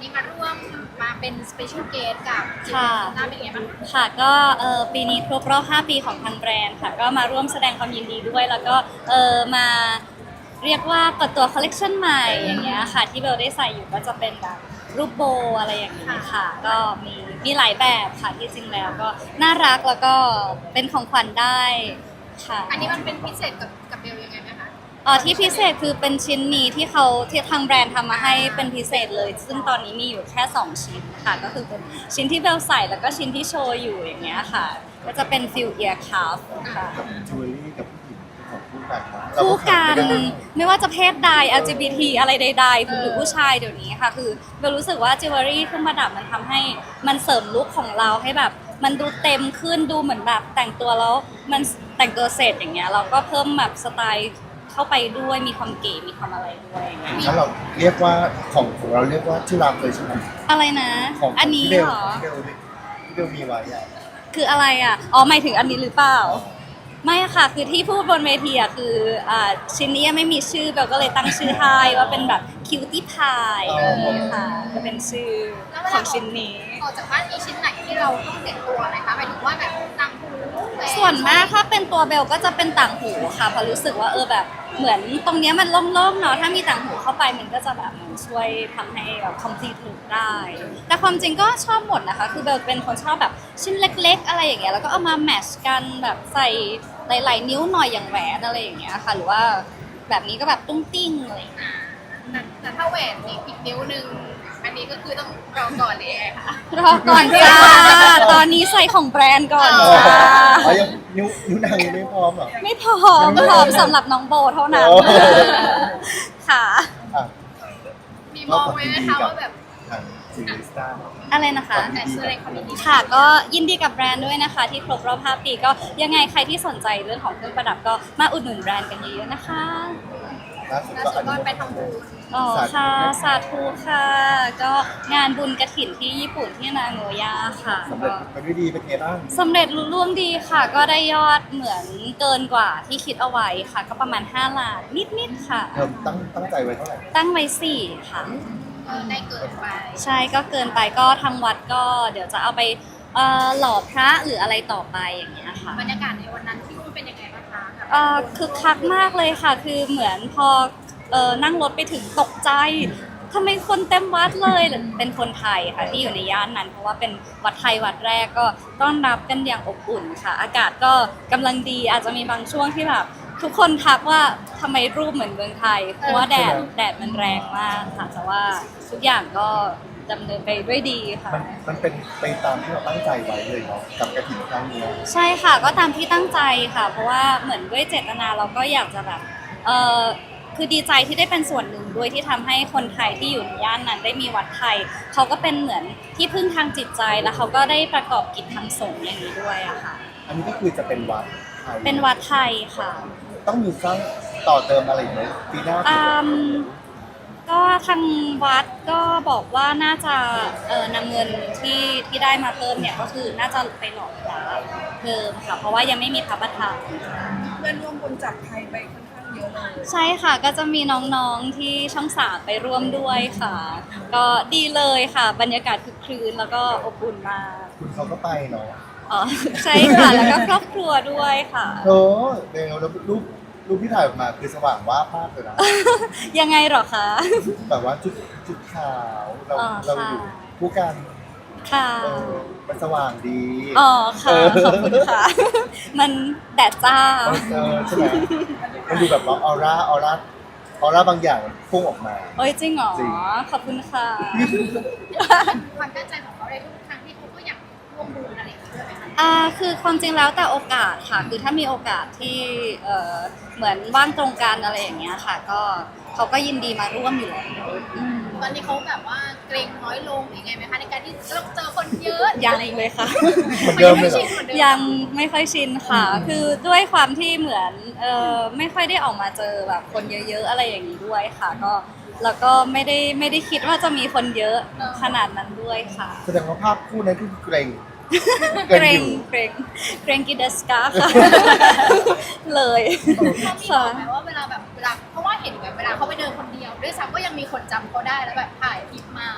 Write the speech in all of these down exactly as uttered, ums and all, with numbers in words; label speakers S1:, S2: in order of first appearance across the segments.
S1: นี้มาร่วมมาเป็นสเปเชียลเกสกับจิม
S2: ค่ะ
S1: หน้าเป็นไงบ้าง
S2: ค่ะก็เออปีนี้ครบรอบห้าปีของทางแบรนด์ค่ะก็มาร่วมแสดงความยินดีด้วย แล้วก็เออมาเรียกว่าเปิดตัวคอลเลกชันใหม่อย่างเงี้ยค่ะที่เบลได้ใส่อยู่ก็จะเป็นแบบรูปโบอะไรอย่างนี้ค่ะ ก็มีมีหลายแบบค่ะที่จริงแล้วก็น่ารักแล้วก็เป็นของขวัญได้ค่ะ
S1: อันนี้มันเป็นพิเศษกับกับเบลยังไงไหมคะ
S2: เอ๋อที่พิเศษคือเป็นชิ้นนี้ที่เขาที่ทางแบรนด์ทำมาให้เป็นพิเศษเลย ซึ่งตอนนี้มีอยู่แค่สองชิ้นค่ะก็คือเป็นชิ้นที่เบลใส่แล้วก็ชิ้นที่โชว์อยู่อย่างเงี้ยค่ะก็จะเป็นฟิลเอียร์คัฟค่ะ
S3: กับจิวเวลรี่กับผู้หญิงของคู่กันเนาะ
S2: คู่กัน
S3: เราขาดไม่ได้
S2: ไม่ว่าจะเพศใด แอล จี บี ที อะไรใดๆหรือผู้ชายเดี๋ยวนี้ค่ะ คือเบลรู้สึกว่าจิวเวลรี่เครื่องประดับมันทำให้มันเสริมลุคของเราให้แบบ มันดูเต็มขึ้นดูเหมือนแบบแต่งตัวแล้วมันแต่งตัวเสร็จอย่างเงี้ยเราก็เพิ่มแบบสไตล์เข้าไปด้วยมีความเก๋มีความอะไรด้วยอย่างเงี้ย
S3: ถ้าเราเรียกว่าของของเราเรียกว่าที่รักเลยใช่ไหม
S2: อะไรนะ
S3: ของ
S2: อันนี้
S3: ที่เบล
S2: เหรอ
S3: ที่เบลที่เบลมีไว้อะ
S2: คืออะไรอ่ะ อ๋อหมายถึงอันนี้หรือเปล่า ไม่ค่ะ คือที่พูดบนเวทีอ่ะคืออ่าชิ้นนี้ยังไม่มีชื่อเบลก็เลยตั้งชื่อให้ว่าเป็นแบบคิวตี้พายค่ะจะเป็นชื่อ
S1: แล้วเว
S2: ข
S1: ลา
S2: องชิ้นนี้
S1: ออกจากบ้านมีชิ้นไหนที่เราต้องเด็ดตัวไหมคะหมายถึงว่าแบบต่างหูแหว
S2: ส่วนมากถ้าเป็นตัวเบลก็จะเป็นต่างหูค่ะเพราะรู้สึกว่าเออแบบเหมือนตรงเนี้ยมันโล่งๆเนาะถ้ามีต่างหูเข้าไปมันก็จะแบบเหมือนช่วยทำให้แบบ complete look ได้ แต่ความจริงก็ชอบหมดนะคะคือเบลเป็นคนชอบแบบชิ้นเล็กๆ อะไรอย่างเงี้ยแล้วก็เอามาแมทช์กันแบบใส่หลายๆนิ้วหน่อยอย่างแหวนอะไรอย่างเงี้ยค่ะหรือว่าแบบนี้ก็แบบตุ้งติ้งอะไรอย่างเงี้ย
S1: อ่าแต่แต่ถ้าแหวนมีอีกนิ้วหนึ่งอันนี้ก็คือต้องรอก่อนเลยไงค่ะ
S2: รอก่อนจ้าตอนนี้ใส่ของแบรนด์ก่อน
S3: อ๋อ
S2: จ้า
S3: อ๋อยังนิ้วนิ้วนางยังไม่พร้อมเหรอ
S2: ไม่พร้อมพร้อมสำหรับน้องโบเท่านั้น
S3: โอ้
S2: ค่ะ
S3: อ่ะ
S1: มีมองไว้ไหมคะว่าแบบ
S3: ทางซีรีส์ตาร์
S2: อะไรนะคะ
S1: แต่แสดงความยินดี
S2: ค่ะก็ยินดีกับแบรนด์ด้วยนะคะ ที่ครบรอบห้าปีก็ยังไงใครที่สนใจเรื่องของเครื่องประดับก็มาอุดหนุนแบรนด์กันเยอะๆนะคะ
S3: ล่าสุด
S1: ล่า
S3: ก็
S1: สุ
S3: อั
S1: ด
S3: น
S1: ก็
S3: นี้
S1: ไปทำบุญ
S2: อ๋อค่ะสาธุค่ะ ก็งานบุญกระถิ่นที่ญี่ปุ่นที่นาโงย่าค่ะ
S3: สำเร็จไปด้วยดีเป็นไงบ้าง
S2: สำเร็จลุล่วงดีค่ะ ก็ได้ยอดเหมือนเกินกว่าที่คิดเอาไว้ค่ะ ก็ประมาณห้าล้านนิดๆค่ะ
S3: เธอตั้งตั้งใจไว้เท่าไหร่
S2: ตั้งไว้สี่ค่ะ
S1: เออได้เกินไป
S2: ใช่ก็เกินไปก็ทางวัดก็เดี๋ยวจะเอาไปเอ่อหล่อพระหรืออะไรต่อไปอย่างเงี้ยค่ะ
S1: บรรยากาศในวันนั้นที่นู่นเป็นยังไงบ้างคะกับ
S2: เอ่อคึกคักมากเลยค่ะ คือเหมือนพอเอ่อนั่งรถไปถึงตกใจทำไมคนเต็มวัดเลยเป็นคนไทยค่ะที่อยู่ในย่านนั้น เพราะว่าเป็นวัดไทยวัดแรกก็ต้อนรับกันอย่างอบอุ่นค่ะ อากาศก็กำลังดีอาจจะมีบางช่วงที่แบบทุกคนทักว่าทำไมรูปเหมือนเมืองไทยเพราะว่าแดดแดดมันแรงมากค่ะแต่ว่าทุกอย่างก็ดำเนินไปด้วยดีค่ะ
S3: มันมันเป็นไปตามที่เราตั้งใจไว้เลยเนาะกับกระถิ่นครั้งนี้
S2: ใช่ค่ะก็ตามที่ตั้งใจค่ะ เพราะว่าเหมือนด้วยเจตนาเราก็อยากจะแบบเออคือดีใจที่ได้เป็นส่วนหนึ่งด้วยที่ทำให้คนไทยที่อยู่ในย่านนั้นได้มีวัดไทยเขาก็เป็นเหมือนที่พึ่งทางจิตใจแล้วเขาก็ได้ประกอบกิจทางสงฆ์อย่างนี้ด้วยอะค่ะ
S3: อันนี้ก็คือจะเป็นวัดไทย
S2: เป็นวัดไทยค่ะ
S3: ต้องมีสร้างต่อเติมอะไรอีกไหมปีหน้า
S2: อืมก็ทางวัดก็บอกว่าน่าจะเออนำเงินที่ที่ได้มาเพิ่มเนี่ยก็คือน่าจะไปหล่อพระเพิ่มค่ะ เพราะว่ายังไม่มีพระประธาน
S4: เงินรวมบุญจากไทยไปค่อนข้างเยอะเลย
S2: ใช่ค่ะก็จะมีน้องๆที่ช่องสามไปร่วมด้วยค่ะ ก็ดีเลยค่ะ บรรยากาศคึกครื้นแล้วก็อบอุ่นมาก
S3: คุณเขาก็ไปเนาะ
S2: อ๋อใช่ค่ะ แล้วก็ครอบครัวด้วยค่ะ
S3: โธ่เดี๋ยวแล้วรูปรูปที่ถ่ายออกมาคือสว่างว่าบมากเลยนะ
S2: ยังไงเหรอคะ
S3: แบบว่าจุดจุดขาวเรา
S2: อ๋อ
S3: เรา
S2: ค่ะ
S3: อยู่คู่กัน
S2: ค่ะ
S3: เออมันสว่างดี
S2: อ๋อค่ะ
S3: เออ
S2: ขอบคุณค่ะ มันแดดจ้า
S3: เออใช่ไหมมันดูแบบว่าออร่าออร่าออร่าบางอย่างมันพุ่งออกมา
S2: โอ้ยจริงเหรอ
S3: จริง
S2: ขอบคุณค่ะ
S1: ความตั้งใจของเขาในทุกครั้งที่เขาก็อยากร่วมบุญอะไรอย่างเงี้ยด้วยไหมคะ
S2: อ่าคือความจริงแล้วแต่โอกาสค่ะ คือถ้ามีโอกาสที่เอ่อเหมือนว่างตรงกันอะไรอย่างเงี้ยค่ะ ก็เขาก็ยินดีมาร่วมอยู่แล้วอืม
S1: ตอนนี้เขาแบบว่าเกรงน้อยลงหรือไงไหมคะในการที่เราเจอคนเยอะ
S2: ยังเลยค่ะ
S3: เหมือนเดิมเลยเหรอ
S1: หมือนดิม
S2: ยังไม่ค่อยชินค่ะ คือด้วยความที่เหมือนเออไม่ค่อยได้ออกมาเจอแบบคนเยอะๆอะไรอย่างนี้ด้วยค่ะ ก็แล้วก็ไม่ได้ไม่ได้คิดว่าจะมีคนเยอะขนาดนั้นด้วยค่ะ
S3: แสดงว่าภาพคู่นั้นคือเกรง
S2: เกรงเกรงเกรงกิเดสกาค่ะ เลย
S1: เขามีบ
S2: ค่ะ
S1: อกไหมว่าเวลาแบบเวลาเพราะว่าเห็นแบบเวลาเขาไปเดินคนเดียวด้วยซ้ำก็ยังมีคนจำเขาได้แล้วแบบถ่ายคลิปมา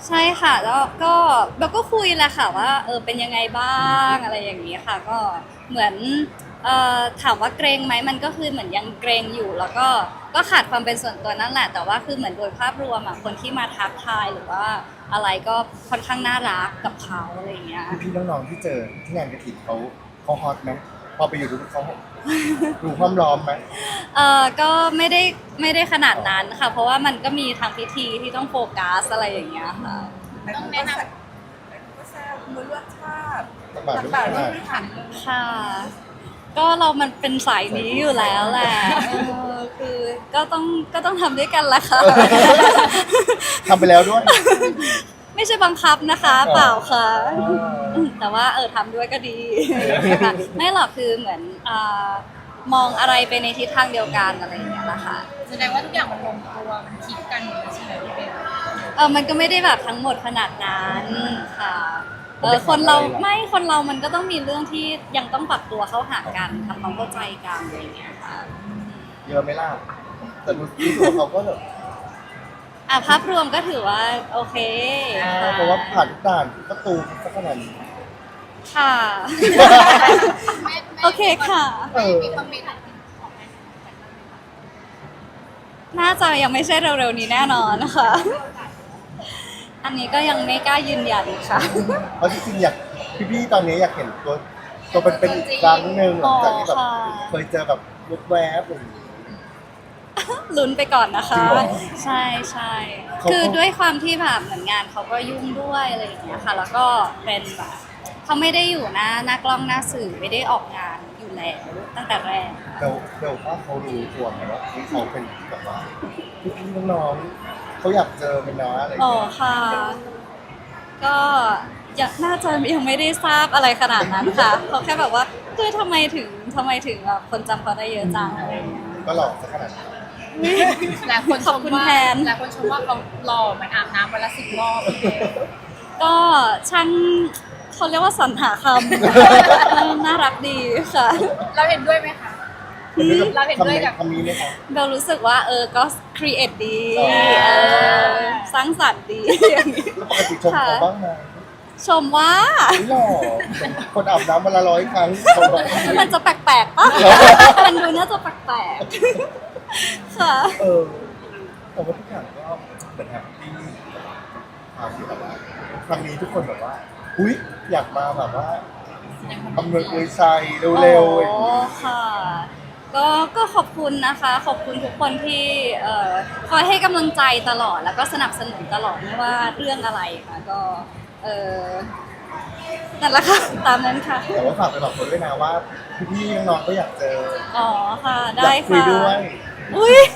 S2: ใช่ค่ะแล้วก็เบลก็คุยแหละค่ะว่าเออเป็นยังไงบ้างอะไรอย่างนี้ค่ะก็เหมือนเอ่อถามว่าเกรงไหมมันก็คือเหมือนยังเกรงอยู่ แล้วก็ก็ขาดความเป็นส่วนตัวนั่นแหละแต่ว่าคือเหมือนโดยภาพรวมอ่ะคนที่มาทักทายหรือว่าอะไรก็ค่อนข้างน่ารักกับเขาอะไรอย่างเงี้ย
S3: พี่ๆน้องๆที่เจอที่งานกระถิ่นเขาเขาฮอตไหมพอไปอยู่ดูเขาดูความล้อมไหม
S2: เออก็ไม่ได้ไม่ได้ขนาดนั้นค่ะ เพราะว่ามันก็มีทางพิธีที่ต้องโฟกัสอะไรอย่างเงี้ยค่ะ
S1: ต้องแนะนำ
S4: ก็แซ่บมือเลือดชาติ
S3: ตักบาตรด้วย
S4: ต่าง
S3: กั
S4: ๆ
S3: น
S4: ไม่หันเลย
S2: ค่ะ ก็เรามันเป็นสายนี้อยู่แล้วแหละเออคือก็ต้องก็ต้องทำด้วยกันละค่ะ
S3: ทำไปแล้วด้วย
S2: ไม่ใช่บังคับนะคะ เปล่าค่ะ
S3: อ่า
S2: แต่ว่าเออทำด้วยก็ดีค่ะไม่หรอกคือเหมือนอามองอะไรไปในทิศทางเดียวกันอะไรอย่างเงี้ยนะคะ
S1: แสดงว่าทุกอย่างมันลงตัวมันคลิกกันหมดเลยใช่ไหมพี่เบล
S2: เออมันก็ไม่ได้แบบทั้งหมดขนาดนั้นค่ะเออคนเราไม่คนเรามันก็ต้องมีเรื่องที่ยังต้องปรับตัวเข้าหากันทำความเข้าใจกันอะไรอย่างเงี้ยค่ะ
S3: เยอะไหมล่ะแต่ดูที่ตัวเขาก็แบบ
S2: อ่ะภาพรวมก็ถือว่าโอเคค่ะ
S3: เพราะว่าผ่านทุกด่านประตูสักขนาดนี้
S2: ค่ะ
S1: แม่แม่
S2: โอเคค่ะ
S3: เออ
S1: มีคอมเมนต์อะไรของแม่
S2: น่าจะยังไม่ใช่เร็วๆนี้แน่นอนนะคะ อันนี้ก็ยังไม่กล้ายืนยันค่ะ
S3: เพราะจริงๆอยากพี่ๆตอนนี้อยากเห็นตัวตัวเป็นๆอีกครั้งหนึ่งหลังจากที่แบบ
S2: อ๋อค่ะ
S3: เคยเจอแบบลุกแวบอะไรอย่างงี้
S2: ลุ้นไปก่อนนะคะ
S3: จริงเหรอ
S2: ใช่ใช่
S3: เขา
S2: คือด้วยความที่แบบเหมือนงานเขาก็ยุ่งด้วยอะไรอย่างเงี้ยค่ะ แล้วก็เป็นแบบเขาไม่ได้อยู่หน้าหน้ากล้องหน้าสื่อไม่ได้ออกงานอยู่แล้วตั้งแต่แรก
S3: เดาเดาว่าเขารู้ตัวไหมว่าที่เขาเป็นแบบว่าพี่ๆน้องๆเขาอยากเจอเป็นน้าอะไรอย่าง
S2: อ๋อ
S3: เงี้ย
S2: ค่ะ ก็ยังน่าจะยังไม่ได้ทราบอะไรขนาดนั้นค่ะเขาแค่แบบว่าคือทำไมถึงทำไมถึงแบบคนจำเขาได้เยอะจังอะไรอย่างเงี้ย
S3: ก็หลอกสักขนาดนั้น
S1: หลายคนช
S2: ขอบ
S1: ม
S2: คุณ
S1: ว่า
S2: แทน
S1: หลายคนชมว่าเขาหล่อเหมือนอาบน้ำวันละสิบรอบพี่เบล
S2: ก็ช่างเขาเรียกว่าสรรหาคำ เออน่ารักดีค่ะ
S1: เราเห็นด้วยไหมคะ เราเห็นด้วยกับ
S3: คำนี้ไหมคะ
S2: เบลรู้สึกว่าเออก็ครีเอทดี
S3: อ๋อ
S2: เออสร้างสรรค์ดีอย่างนี้
S3: แล้วปกติชมเขาบ้างไหม
S2: ชมว่า
S3: ไม่หล่อคนอาบน้ำวันละร้อยครั้งเขาบอก
S2: มันจะแปลกๆปะมันดูน่าจะแปลกๆค่ะ
S3: เออแต่ว่าทุกอย่างก็เหมือนแฮปปี้ความที่แบบว่าครั้งนี้ทุกคนแบบว่าอุ้ยอยากมาแบบว่าอำนวยอวยชัยเร็วๆอย่าง
S2: อ๋อ
S3: นี้
S2: ค่ะ ก็ก็ขอบคุณนะคะ ขอบคุณทุกคนที่เอ่อคอยให้กำลังใจตลอดแล้วก็สนับสนุนตลอดไม่ว่าเรื่องอะไรค่ะก็เออนั่นแหละค่ะตามนั้นค่ะ
S3: แต่ว่าฝากไปบอกคนด้วยนะว่าพี่ๆน้องๆก็อยากเจอ
S2: อ๋อค่ะ
S3: อยา
S2: ได้
S3: กคุย
S2: ค่ะ
S3: ด้วย
S2: อุ้ย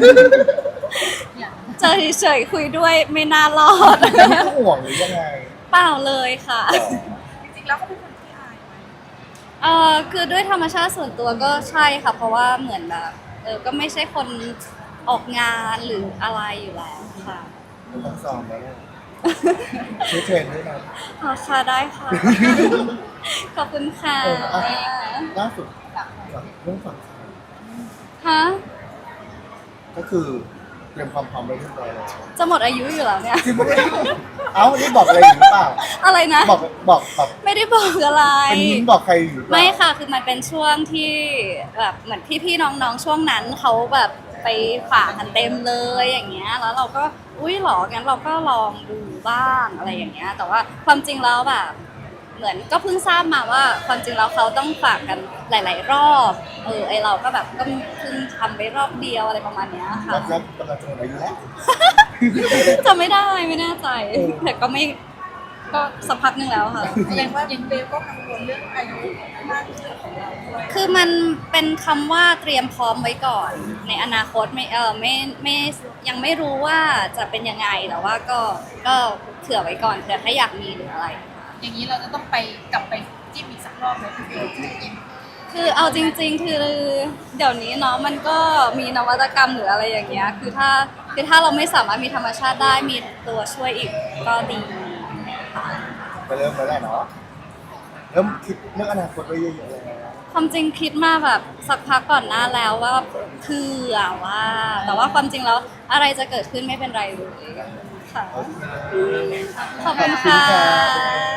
S2: เจอเฉยๆคุยด้วยไม่น่ารอด
S3: ไม่ต้องห่วงหรือยังไง
S2: เปล่าเลยค่ะ
S4: จริงๆแล้วเขาเป็นคนที่อายไหม
S2: เออคือด้วยธรรมชาติส่วนตัวก็ใช่ค่ะ เพราะว่าเหมือนแบบเออก็ไม่ใช่คนออกงานหรืออะไรอยู่แล้วค่ะ
S3: ไม่ต้องซ้อมแล้วเนี่ยช่วยเทรนด้วยนะ
S2: อ๋อค่ะได้ค่ะ ขอบคุณค่ะ
S3: เอออ่ะ ล่าสุดเรื่องฝั่ง
S2: ฮะ
S3: ก็คือเตรียมความพร้อมไว้เรียบร้อยแล้ว
S2: จะหมดอายุอยู่แล้วเนี่ย
S3: จริงปะเนี่ยเอ้านี่บอกอะไรอยู่หรือเปล่า
S2: อะไรนะ
S3: บอกบอกแบบ
S2: ไม่ได้บอกอะไร
S3: เป็นยิ้มบอกใครอยู่หรือเปล่า
S2: ไม่ค่ะ คือมันเป็นช่วงที่แบบเหมือนพี่ๆน้องๆช่วงนั้นเขาแบบไปฝากกันเต็มเลยอย่างเงี้ย แล้วเราก็อุ้ยเหรองั้นเราก็ลองดูบ้างอะไรอย่างเงี้ย แต่ว่าความจริงแล้วแบบเหมือนก็เพิ่งทราบมาว่าความจริงแล้วเขาต้องฝากกันหลาย ๆ รอบ เออไอเราก็แบบก็เพิ่งทำไปรอบเดียวอะไรประมาณเนี้ยค่ะ
S3: แล้วก็กำลังจะหมดอายุแล้ว
S2: จำไม่ได้ไม่แน่ใจ แต่ก็ไม่ก็สักพักหนึ่งแล้วค่ะ
S4: แสดงว่าเบลก็กังวลเรื่องอายุมากขึ้นของเราด้วย
S2: คือมันเป็นคำว่าเตรียมพร้อมไว้ก่อน ในอนาคตไม่เออไม่ไม่ยังไม่รู้ว่าจะเป็นยังไงแต่ว่าก็ก็เผื่อไว้ก่อนเผื่อถ้าอยากมีหรืออะไรค่ะ
S1: อย่างนี้เราจะต้องไปกลับไปจิ้มอีกสักรอบไหมพี่เบล
S2: คือเอาจริง ๆ คือเดี๋ยวนี้เนาะมันก็มีนวัตกรรมหรืออะไรอย่างเงี้ยคือถ้าคือถ้าเราไม่สามารถมีธรรมชาติได้มีตัวช่วยอีกก็ดีค่ะ
S3: ไปเริ่มแล้วแหละเนาะเริ่มคิดเรื่องอนาคตไว้เยอะๆเลยนะ
S2: ความจริงคิดมาแบบสักพักก่อนหน้าแล้วว่าเผื่อว่า แต่ว่าความจริงแล้วอะไรจะเกิดขึ้นไม่เป็นไรเลยค่ะ
S3: โอเค
S2: ขอบคุณค่ะ
S3: ขอบคุณค่ะ